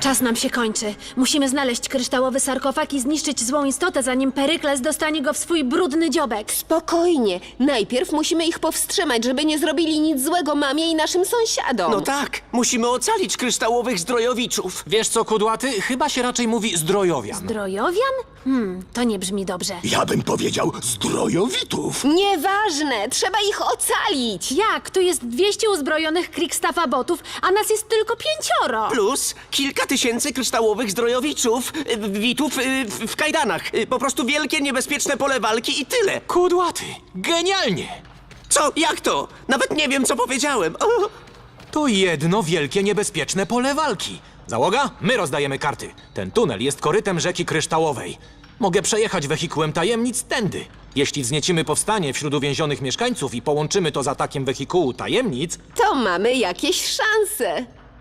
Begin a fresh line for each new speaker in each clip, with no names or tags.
Czas nam się kończy. Musimy znaleźć kryształowy sarkofag i zniszczyć złą istotę, zanim Perykles dostanie go w swój brudny dziobek.
Spokojnie. Najpierw musimy ich powstrzymać, żeby nie zrobili nic złego mamie i naszym sąsiadom.
No tak, musimy ocalić kryształowych zdrojowiczów.
Wiesz co, Kudłaty? Chyba się raczej mówi zdrojowian.
Drojowian? To nie brzmi dobrze.
Ja bym powiedział zdrojowitów.
Nieważne, trzeba ich ocalić.
Jak? Tu jest 200 uzbrojonych Krikstaffa botów, a nas jest tylko 5.
Plus kilka tysięcy kryształowych zdrojowiczów, witów w kajdanach. Po prostu wielkie, niebezpieczne pole walki i tyle.
Kudłaty! Genialnie!
Co? Jak to? Nawet nie wiem, co powiedziałem. O!
To jedno wielkie, niebezpieczne pole walki. Załoga, my rozdajemy karty. Ten tunel jest korytem rzeki kryształowej. Mogę przejechać wehikułem tajemnic tędy. Jeśli wzniecimy powstanie wśród uwięzionych mieszkańców i połączymy to z atakiem wehikułu tajemnic,
To mamy jakieś szanse.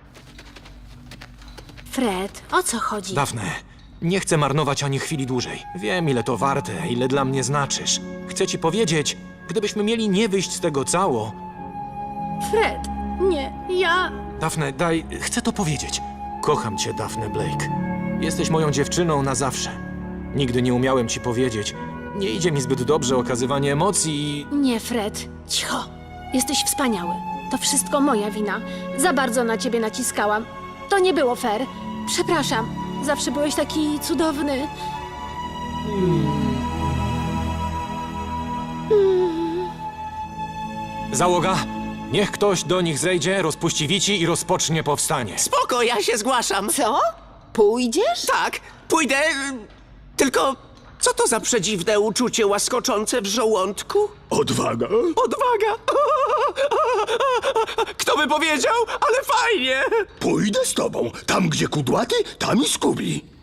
Fred, o co chodzi?
Dafne, nie chcę marnować ani chwili dłużej. Wiem, ile to warte, ile dla mnie znaczysz. Chcę ci powiedzieć, gdybyśmy mieli nie wyjść z tego cało...
Fred, nie, ja...
Dafne, chcę to powiedzieć. Kocham cię, Dafne Blake. Jesteś moją dziewczyną na zawsze. Nigdy nie umiałem ci powiedzieć. Nie idzie mi zbyt dobrze okazywanie emocji i...
Nie, Fred, cicho. Jesteś wspaniały. To wszystko moja wina. Za bardzo na ciebie naciskałam. To nie było fair. Przepraszam. Zawsze byłeś taki cudowny.
Załoga, niech ktoś do nich zejdzie, rozpuści wici i rozpocznie powstanie.
Spoko, ja się zgłaszam.
Co? Pójdziesz?
Tak, pójdę. Tylko co to za przedziwne uczucie łaskoczące w żołądku?
Odwaga.
Odwaga! Kto by powiedział? Ale fajnie!
Pójdę z tobą. Tam, gdzie kudłaty, tam i Skubi.